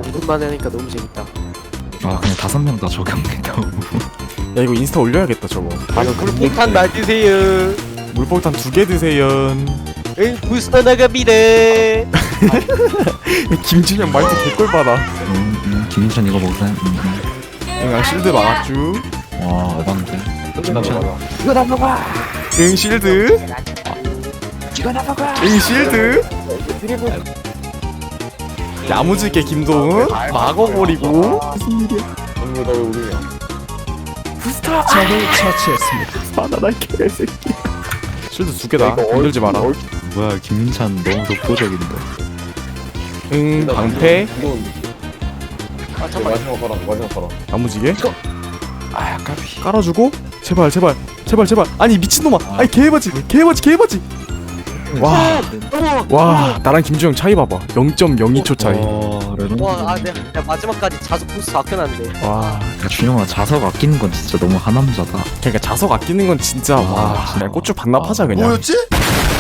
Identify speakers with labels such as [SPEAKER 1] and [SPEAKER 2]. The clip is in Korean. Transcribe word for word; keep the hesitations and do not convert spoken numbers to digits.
[SPEAKER 1] 방금만 하니까 너무 재밌다.
[SPEAKER 2] 아 그냥 다섯 명 다 적용된다.
[SPEAKER 3] 야 이거 인스타 올려야겠다 저거.
[SPEAKER 1] 맞아, 물폭탄 놔주세요.
[SPEAKER 3] 물폭탄 두 개 드세요.
[SPEAKER 1] 응, 부스터 나갑니다.
[SPEAKER 3] 김준현 말투 개꿀 받아.
[SPEAKER 2] 음, 음, 김인천 이거 먹으세요. 음, 음.
[SPEAKER 3] 응 실드 막았쥬.
[SPEAKER 2] 와 에반데. 김인천.
[SPEAKER 1] 이거 다 먹어.
[SPEAKER 3] 응 실드.
[SPEAKER 1] 이거 다 먹어.
[SPEAKER 3] 응 실드. 야무지게 김도훈 막아버리고. 부스터.
[SPEAKER 4] 적을 처치했습니다.
[SPEAKER 3] 바나나 개새끼. 실드 두 개다. 건들지 마라.
[SPEAKER 2] 뭐야 김인찬 너무 독보적인데.
[SPEAKER 3] 응 방패.
[SPEAKER 1] 아 잠깐.
[SPEAKER 3] 야무지게.
[SPEAKER 1] 아 까비.
[SPEAKER 3] 깔아주고 제발 제발 제발 제발. 아니 미친놈아. 아니 개바지 개바지 개바지. 와. 와 나랑 김주영 차이 봐봐. 영 점 영이 초 차이.
[SPEAKER 2] 와 레전드.
[SPEAKER 1] 와, 아 내가, 내가 마지막까지 자석 부스트 아껴놨는데.
[SPEAKER 3] 와
[SPEAKER 2] 야, 준영아 자석 아끼는 건 진짜 너무 하남자다.
[SPEAKER 3] 그러니까 자석 아끼는 건 진짜 와
[SPEAKER 2] 진짜.
[SPEAKER 3] 그냥 고추 반납하자 그냥.
[SPEAKER 4] 뭐였지?